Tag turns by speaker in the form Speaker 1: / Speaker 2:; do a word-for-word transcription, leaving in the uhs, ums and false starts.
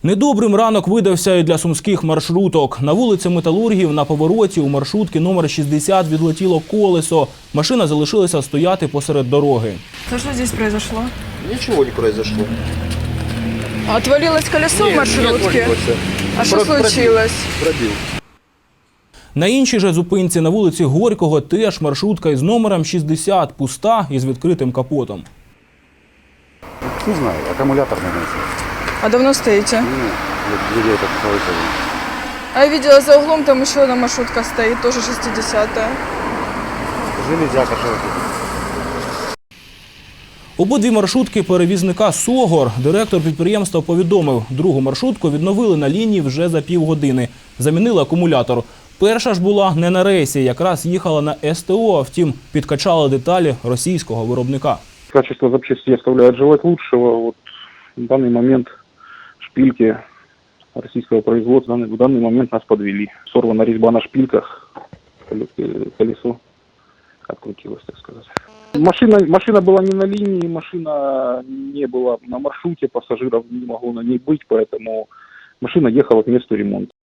Speaker 1: Недобрим ранок видався і для сумських маршруток. На вулиці Металургів на повороті у маршрутки номер шістдесят відлетіло колесо. Машина залишилася стояти посеред дороги.
Speaker 2: Что же здесь произошло?
Speaker 3: Ничего не произошло.
Speaker 2: Отвалилось колесо в
Speaker 3: Нет,
Speaker 2: маршрутке?
Speaker 3: не отвалилось.
Speaker 2: А что
Speaker 3: Про- пробил.
Speaker 2: случилось?
Speaker 3: Пробил.
Speaker 1: На іншій же зупинці на вулиці Горького теж маршрутка із номером шістдесят пуста із відкритим капотом.
Speaker 4: Не знаю, аккумулятор, наверное.
Speaker 2: А давно стоите?
Speaker 4: Ну, людей так слышали.
Speaker 2: А я видела за углом, там еще одна маршрутка стоит, тоже шестидесятая.
Speaker 4: Железяка широкий.
Speaker 1: Обидві маршрутки перевізника «Согор» директор підприємства повідомив, другу маршрутку відновили на лінії вже за півгодини. Замінили акумулятор. Перша ж була не на рейсі, якраз їхала на ес те о, втім підкачали деталі російського виробника.
Speaker 5: Качество запчастей оставляет желать лучшего. Вот в данный момент шпильки российского производства в данный момент нас подвели. Сорвана резьба на шпильках, колесо открутилось, так сказать. Машина, машина была не на линии, машина не была на маршруте, пассажиров не могло на ней быть, поэтому машина ехала к месту ремонта.